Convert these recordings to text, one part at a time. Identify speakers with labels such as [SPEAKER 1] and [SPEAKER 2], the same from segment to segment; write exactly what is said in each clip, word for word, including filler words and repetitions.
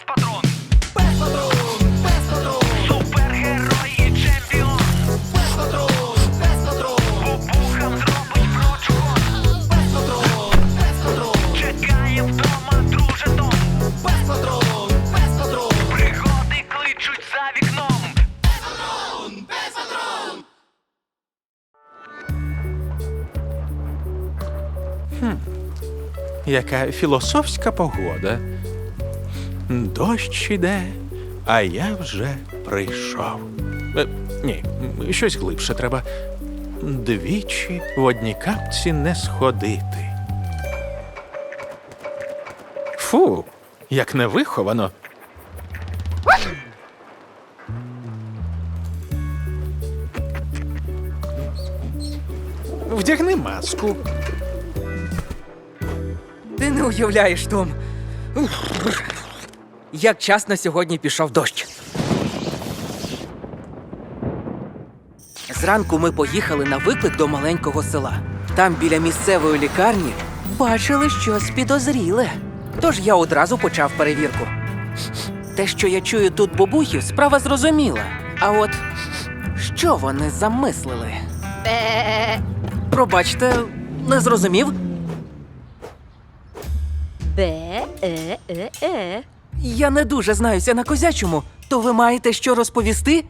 [SPEAKER 1] Пес-патрон! Пес-патрон! Пес-патрон! Супергерой і чемпіон! Пес-патрон! Пес-патрон! Бубухам зробить прочухон! Пес-патрон! Пес-патрон! Чекає вдома друже Том! Пес-патрон! Пес-патрон! Пригоди кличуть за вікном! Пес-патрон! Пес-патрон!
[SPEAKER 2] Яка філософська погода. Дощ іде, а я вже прийшов. Е, ні, щось глибше треба. Двічі в одній капці не сходити. Фу, як невиховано. Вдягни маску.
[SPEAKER 3] Ти не уявляєш, Том. Як часно сьогодні пішов дощ. Зранку ми поїхали на виклик до маленького села. Там біля місцевої лікарні бачили щось підозріле. Тож я одразу почав перевірку. Те, що я чую тут бабухів, справа зрозуміла. А от що вони замислили? Пробачте, не зрозумів?
[SPEAKER 4] Бе-е-е-е.
[SPEAKER 3] Я не дуже знаюся на козячому. То ви маєте що розповісти?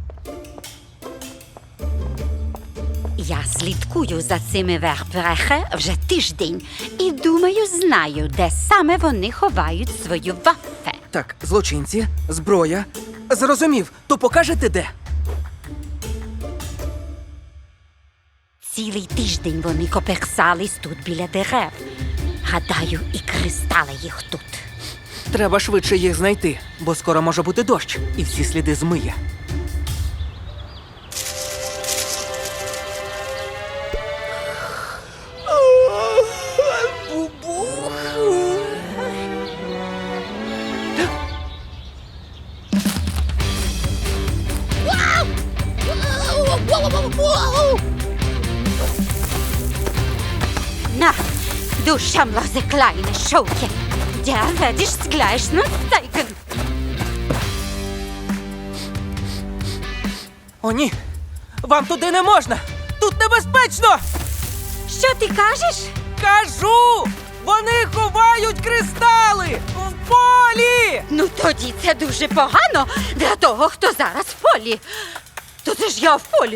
[SPEAKER 4] Я слідкую за цими вербрехе вже тиждень і думаю, знаю, де саме вони ховають свою ваффе.
[SPEAKER 3] Так, злочинці, зброя. Зрозумів, то покажете де?
[SPEAKER 4] Цілий тиждень вони коперсались тут біля дерев. Гадаю, і кристали їх тут.
[SPEAKER 3] Треба швидше їх знайти, бо скоро може бути дощ, і всі сліди змиє.
[SPEAKER 4] Na, du schamlose kleine Schauke. Der werde ich gleich noch zeigen.
[SPEAKER 3] О, ні! Вам туди не можна! Тут небезпечно!
[SPEAKER 4] Що ти кажеш?
[SPEAKER 3] Кажу! Вони ховають кристали! В полі!
[SPEAKER 4] Ну тоді це дуже погано для того, хто зараз в полі. То це ж я в полі.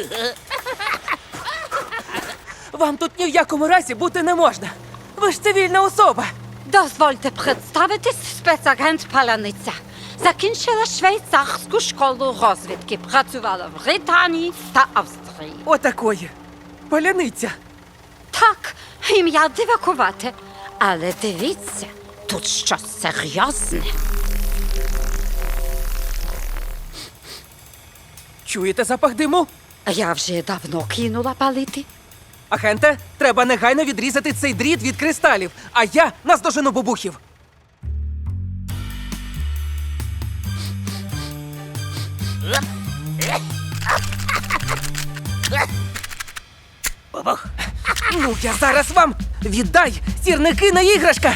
[SPEAKER 3] Вам тут ні в якому разі бути не можна. Ви ж цивільна особа.
[SPEAKER 4] Дозвольте представитись, спецагент Паляниця. Закінчила швейцарську школу розвідки, працювала в Британії та Австрії.
[SPEAKER 3] Отакої. Паляниця.
[SPEAKER 4] Так, ім'я дивакувате. Але дивіться, тут щось серйозне.
[SPEAKER 3] Чуєте запах диму?
[SPEAKER 4] Я вже давно кинула палити.
[SPEAKER 3] Агенте, треба негайно відрізати цей дріт від кристалів, а я наздожену бабухів.
[SPEAKER 1] Бабух!
[SPEAKER 3] Ну, я зараз вам віддай сірники на іграшка.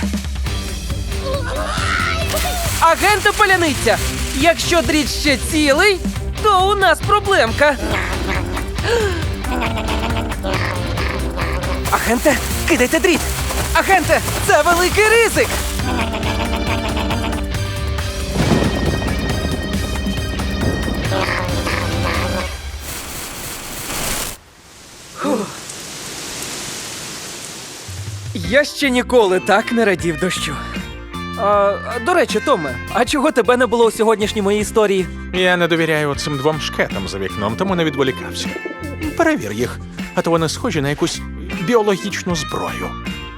[SPEAKER 3] Агенте Паляниця, якщо дріт ще цілий, то у нас проблемка. Агенте, кидайте дріт! Агенте, це великий ризик! Фух. Я ще ніколи так не радів дощу. А, до речі, Томе, а чого тебе не було у сьогоднішній моїй історії?
[SPEAKER 2] Я не довіряю цим двом шкетам за вікном, тому не відволікався. Перевір їх, а то вони схожі на якусь біологічну зброю.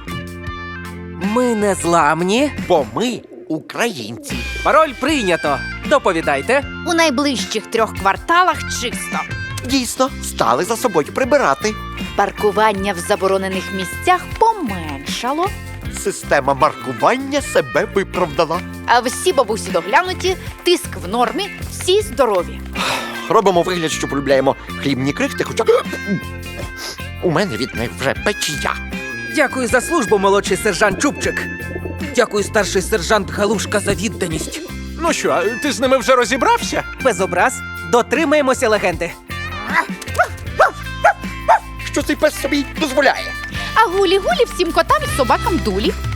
[SPEAKER 3] Ми не зламні.
[SPEAKER 5] Бо ми українці.
[SPEAKER 3] Пароль прийнято. Доповідайте.
[SPEAKER 6] У найближчих трьох кварталах чисто.
[SPEAKER 5] Дійсно, стали за собою прибирати.
[SPEAKER 6] Паркування в заборонених місцях поменшало,
[SPEAKER 5] Система маркування себе виправдала.
[SPEAKER 6] а всі бабусі доглянуті, тиск в нормі, всі здорові.
[SPEAKER 5] Робимо вигляд, що полюбляємо хлібні крихти, хоча у мене від них вже печія.
[SPEAKER 3] Дякую за службу, молодший сержант Чубчик. Дякую, старший сержант Галушка, за відданість.
[SPEAKER 2] Ну що, ти з ними вже розібрався?
[SPEAKER 3] Без образ, дотримаємося легенди.
[SPEAKER 5] Що цей пес собі дозволяє?
[SPEAKER 6] А гулі-гулі всім котам і собакам дулі.